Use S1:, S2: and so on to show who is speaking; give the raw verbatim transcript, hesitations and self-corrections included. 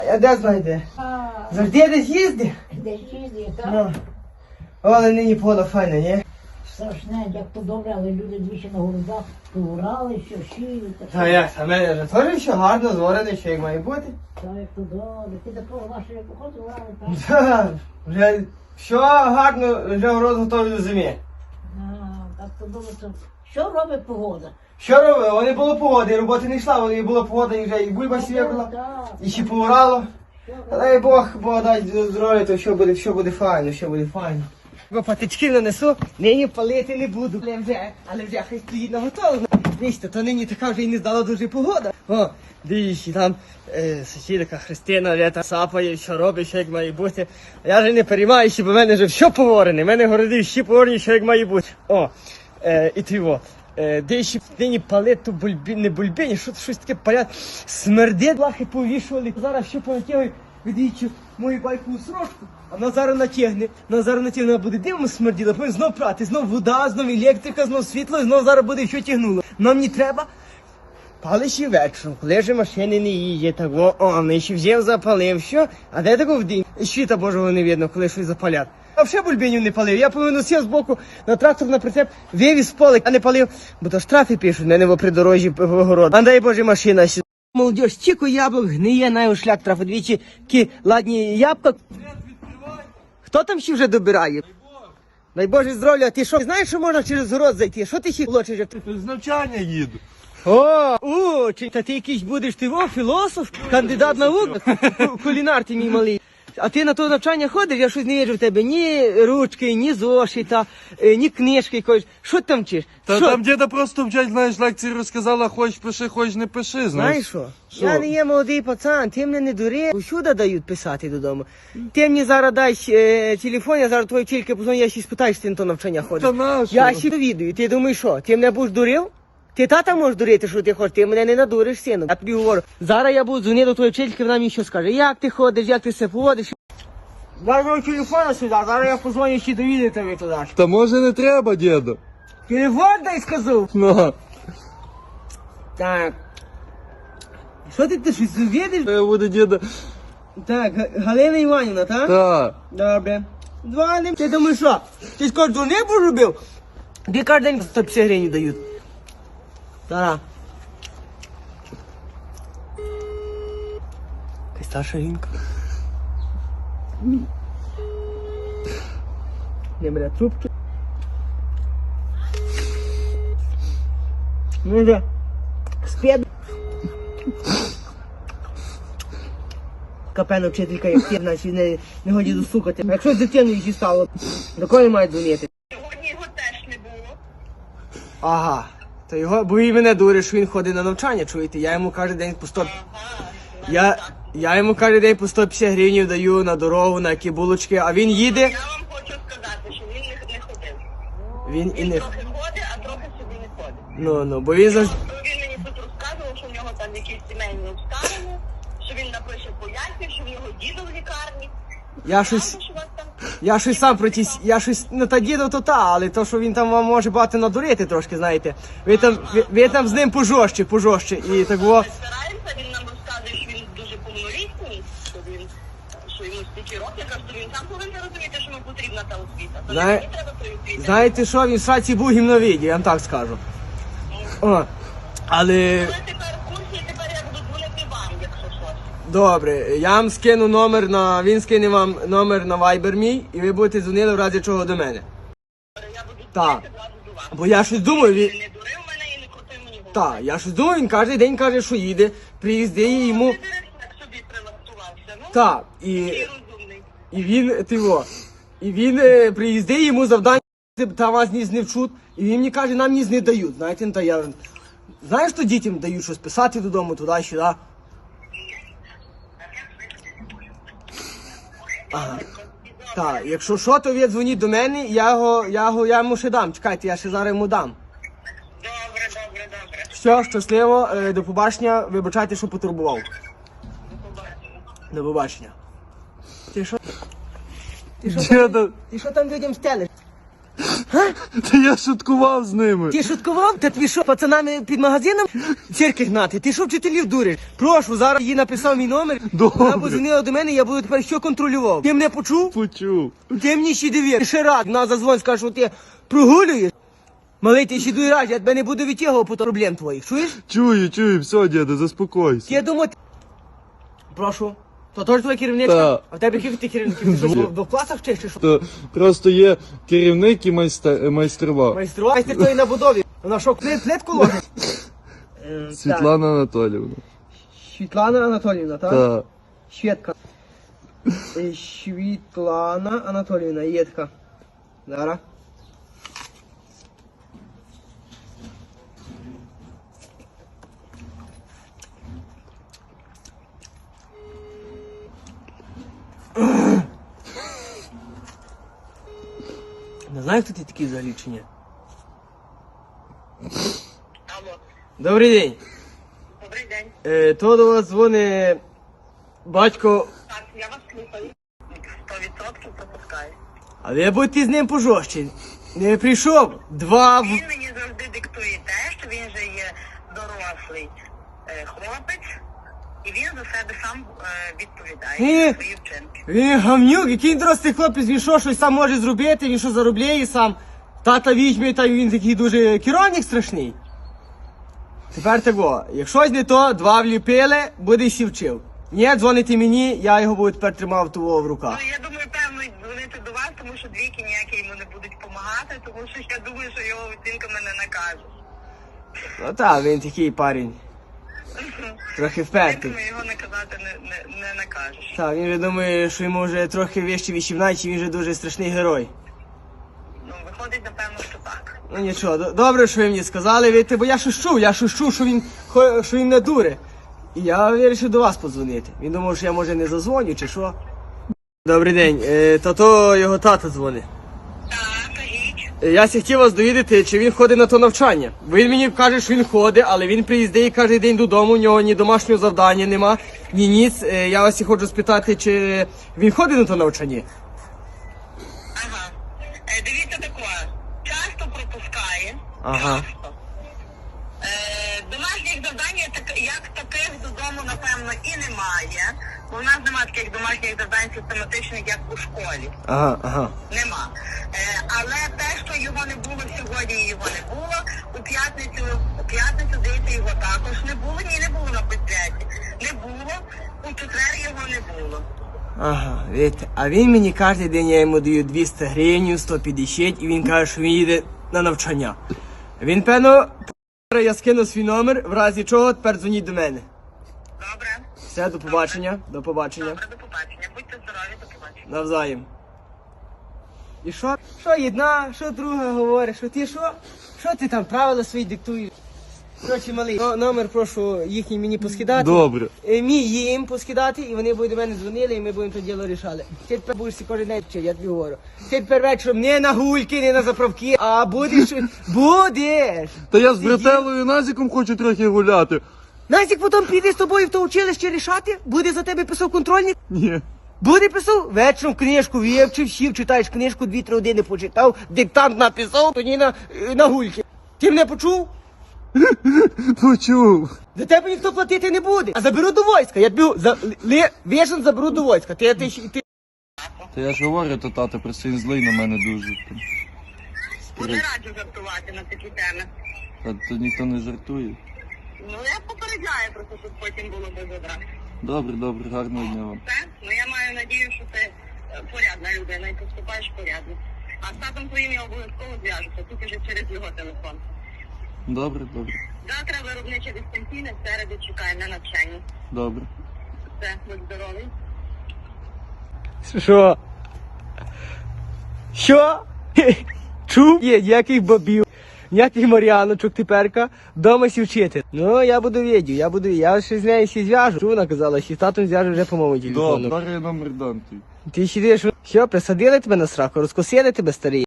S1: Я де знайде? Завжди десь їздить?
S2: Десь їздить, так?
S1: Ну. Але нині поле файне, ні?
S2: Страшне, як то добре, але люди двічі на городах поврали, що шиють.
S1: А як? А мене вже теж все гарно зварене, що як має бути.
S2: Так, як то добре. Ти такого вашого походу врали, так?
S1: Так, вже все гарно, вже мороз готовий до зими.
S2: А, так то добре. то- Що робить погода?
S1: Що робили? Вони було погоди, роботи не йшла, вони було погода, і вже і бульба сіяла,
S2: Так.
S1: і ще повирало.
S2: Що робить?
S1: Дай Бог, Бог дасть здоров'я, то все буде, все буде файно, все буде файно. Бо патички нанесу, нині палити не буду. Але вже, але вже хай стоїть на готову. Дивіться, то нині така вже і не здала дуже погода. О, дивіться, там е, сусідка Христина вже там сапає, що робить, що як має бути. А я вже не переймаюся, бо в мене вже все поворене. В мене городи всі поворені, що як має бути. О, е, і тиво. Е, де ще нині палить, то бульбі, не бульбіні, що щось таке палять. Смердить, лахи повішували. Зараз все понатягують, відвічу мою байкову сорочку. А вона зараз натягне, вона зараз натягне, вона буде дивно смерділа, потім знов прати, знов вода, знов електрика, знов світло, і знов зараз буде все тягнуло. Нам не треба. Пали ще вечором, коли вже машини не їздять, так о, о, ми ще взяв, запалив, що? А де такого в день? Світа Божого не видно, коли щось запалять. А взагалі бульбінів не палив. Я повинен сів з боку на трактор, на прицеп, вивіз з поля, а не палив, бо то штрафи пишуть, мене в придорожі в огород. А дай Боже, машина сюди. Молодіж, стільки яблук гниє, на його шлях трафа двічі, кі ладні ябка. Хто там ще вже добирає? Дай Боже здоров'я, ти що, знаєш, що можна через город зайти? Що ти ще лочиш? як ти?
S3: З навчання їду.
S1: О, у, чи та ти якийсь будеш ти о, філософ, кандидат наук, кулінар ти мій малий. А ти на то навчання ходиш, я щось не вірю в тебе. Ні ручки, ні зошита, е, ні книжки якоїсь. Що ти там вчиш?
S3: Та
S1: Що?
S3: там діда просто вчать, знаєш, лекції розказала, хочеш пиши, хочеш не пиши,
S1: Знаєш
S3: знаєш.
S1: що?
S3: Що?
S1: Я не є молодий пацан, ти мене не дури. Усюди дають писати додому. Ти мені зараз дай е, телефон, я зараз твої вчительки позвоню, я ще спитаю, що ти на то навчання ходиш.
S3: Та нащо?
S1: Я ще довідую. Ти думаєш що? Ти мене будеш дурив? Ти тата можеш дурити, що ти хочеш, ти мене не надуриш, сину. Я тобі говорю. Зараз я буду дзвонити до твоєї вчительки, вона мені що скаже. Як ти ходиш, як ти себе поводиш? Дай мій телефон сюди, зараз я позвоню ще довідаю тебе туди.
S3: Та може не треба, діду.
S1: Телефон дай сказав.
S3: Ну,
S1: Так. Що ти, ти щось видиш?
S3: я буду діда.
S1: Так, Га- Галина Іванівна, так?
S3: Та.
S1: Добре. Дзвоним. Ти думаєш що? Ти скоро дзвонив робив? Тобі кожен день сто п'ятдесят гривень дають. Тара. Ти старша жінка. Не бере трубки. Ну да. Спєд. Капена вчителька, як ти, значить не, не годі досукати. Якщо з дитиною її стало, до кого має дзвонити?
S4: Сьогодні його теж не було.
S1: Ага. То його, бо він мене дурить, що він ходить на навчання, чуєте? Я йому кожен день по сто... Я, я йому кожен день по сто п'ятдесят гривень даю на дорогу, на які булочки, а він їде,
S4: Я вам хочу сказати, що він не, не ходив.
S1: він і
S4: Він
S1: не...
S4: трохи ходить, а трохи собі не ходить.
S1: Ну, ну, бо він завжди...
S4: Він мені тут розказував, що в нього там якісь сімейні обставини, що він напише пояснів, що в нього дідо в лікарні.
S1: Я щось...
S4: Правда, що у вас там...
S1: Я щось сам про ті... Я щось... Ну, та діду то та, але то, що він там вам може багато надурити трошки, знаєте. Ви там, ви, ви там з ним пожорстче, пожорстче. І так во...
S4: Ми стараємося, він нам розказує, що він дуже повнолітній, що він, що йому стільки років, що він сам повинен розуміти, що йому потрібна та освіта. То
S1: Знає-
S4: не мені треба тої освіти.
S1: Знаєте що, він в сраці був гімновіді, я вам так скажу. О, але...
S4: Ви тепер в курсі, тепер я буду дзвонити вам, якщо щось.
S1: Добре, я вам скину номер на... Він скине вам номер на Viber мій, і ви будете дзвонити в разі чого до мене.
S4: Я буду
S1: Так.
S4: дзвонити зразу до вас.
S1: Бо я щось думаю, він...
S4: Не дурив мене і не крутив мені голову.
S1: Так, я щось думаю, він кожен день каже, що їде, приїздить і йому...
S4: Ти так собі прилаштувався, ну?
S1: Так, і,
S4: Ти розумний.
S1: і він, ти во, і він е, приїздить, йому завдання, там вас ніс не вчуть, і він мені каже, нам ніс не дають, знаєте, ну, та я... Знаєш, що дітям дають щось писати додому, туди-сюди? Ага. Так, якщо що, то ви дзвоніть до мене, я його, я його, я йому ще дам, чекайте, я ще зараз йому дам.
S4: Добре, добре, добре.
S1: Все, щасливо, е, до побачення, вибачайте, що потурбував.
S4: До побачення.
S1: До побачення. Ти що? Ти що,
S3: Діда.
S1: ти що там людям стелиш?
S3: Та я шуткував з ними.
S1: Ти шуткував? Та тобі що, пацанами під магазином цирки гнати? Ти що вчителів дуриш? Прошу, зараз їй написав мій номер.
S3: Добре.
S1: Вона подзвонила до мене, я буду тепер що контролював. Ти мене почув?
S3: Почув.
S1: Ти мені ще довір. Ще раз, на зазвонь, скажеш, що ти прогулюєш. Малий, ти ще дуй раз, я тебе не буду відтягувати по проблем твоїх, чуєш?
S3: Чую, чую, все, діда, заспокойся.
S1: Я думаю, ти... Прошу. То теж твоя керівничка?
S3: Так.
S1: А в тебе яких ти керівників? Ти що,
S3: Дуже.
S1: в в класах вчиш чи що?
S3: То просто є керівник і майстер, майстрова.
S1: Майстрова? Майстер тої на будові. Вона що, плит, плитку ложить? Е, так.
S3: Світлана Анатоліївна.
S1: Світлана Анатоліївна, так?
S3: Так.
S1: Шведка. Е, Світлана Анатоліївна, є така. Зараз. Не знаю, хто ти такий взагалі чи ні?
S4: Алло,
S1: Добрий день.
S4: добрий день.
S1: Е, то до вас дзвонить батько,
S4: Так, я вас слухаю. Сто відсотків пропускаю.
S1: а ви будьте з ним пожорстче. Не прийшов. Два в...
S4: Він мені завжди диктує те, що він же є дорослий е, хлопець, і він за себе сам е, відповідає
S1: Ні.
S4: за свої вчинки.
S1: Він гамнюк, який дорослий хлопець, він що, щось сам може зробити, він що заробляє сам. Тата візьме, та він такий дуже керівник страшний. Тепер того, якщо не то, два вліпили, буде сі вчив. Ні, дзвоните мені, я його буду тепер тримав того в руках.
S4: Ну, я думаю, певно, дзвонити до вас, тому що двійки ніякі йому не будуть допомагати, тому що я думаю, що його оцінка мене накаже.
S1: Ну так, він такий парень, трохи впертий.
S4: Оцінками його наказати не, не, не накажеш.
S1: Так, він же думає, що йому вже трохи вище вісімнадцять, він вже дуже страшний герой.
S4: Ну, виходить, напевно, що так.
S1: Ну нічого, до- добре, що ви мені сказали, видите, бо я щось чув, я щось чув, що він, хо- що він не дуре. І я вирішив до вас подзвонити. Він думав, що я може не зазвоню чи що. Добрий день, е, та то його тата дзвонить.
S4: Так, кажіть.
S1: Е, Я ся хотів вас довідати, чи він ходить на то навчання. Він мені каже, що він ходить, але він приїздить кожен день додому, у нього ні домашнього завдання нема, ні ніц. Е, Я вас і хочу спитати, чи він ходить на то навчання.
S4: Ага. Е, дивіться таке. Часто пропускає.
S1: Ага.
S4: Часто. Е, домашніх завдань як так- як таких додому, напевно, і немає. Бо в нас немає таких домашніх завдань систематичних, як у школі.
S1: Ага, ага.
S4: Нема. Е, але те, що його не було сьогодні, його не було. У п'ятницю, у п'ятницю, здається, його також не було. Ні, не було на підряді. Не було. У четвер його не було.
S1: Ага, видите, а він мені кожен день я йому даю двісті гривень, сто п'ятдесят, і він каже, що він їде на навчання. Він, певно, я скину свій номер, в разі чого тепер дзвоніть до мене.
S4: Добре.
S1: Все, до побачення, до побачення.
S4: Добре, до побачення. Будьте здорові, до побачення.
S1: Навзаєм. І що? Що одна, що друга говорить, що ти що? Що ти там правила свої диктуєш? Короче, малий, но- номер прошу їхній мені поскидати.
S3: Добре.
S1: Е, Мій їм поскидати, і вони будуть до мене дзвонили, і ми будемо то діло рішали. Ти тепер будеш всі кожен день вчити, я тобі говорю. Ти тепер вечором не на гульки, не на заправки, а будеш, будеш.
S3: Та я з брателою Назіком хочу трохи гуляти.
S1: Настік потім піде з тобою в то училище рішати, буде за тебе писав контрольник.
S3: Ні.
S1: Буде писав, вечором книжку вивчив, сів, читаєш книжку, дві-три години почитав, диктант написав, тоді на, на гульки. Ти мене почув?
S3: Почув.
S1: За тебе ніхто платити не буде. А заберу до війська. Я тобі за, ли, вішен заберу до війська. Ти, ти, ти,
S3: Та я ж говорю, то тато просто він злий на мене дуже.
S4: Буде раджу жартувати на такі теми.
S3: А то ніхто не жартує.
S4: Ну, я попереджаю просто, щоб потім було без одразу.
S3: Добре, добре, гарного дня вам.
S4: Все? Ну, я маю надію, що ти е, порядна людина і поступаєш порядно. А з татом твоїм я обов'язково зв'яжуся, тільки вже через його телефон.
S3: Добре, добре.
S4: Завтра виробниче дистанційне, в середу чекаю на навчання.
S3: Добре.
S4: Все, будь здоровий.
S1: Що? Що? Хе, чув? Є, ніяких бабів, ніяких мар'яночок теперка, вдома сі вчити. Ну, я буду відео, я буду, я ще з нею сі зв'яжу. Чув, вона казала, що з татом зв'яжу вже по моєму телефону.
S3: Добре, зараз я номер дам твій.
S1: Ти сидиш, що, присадили тебе на сраку, розкосили тебе, старий?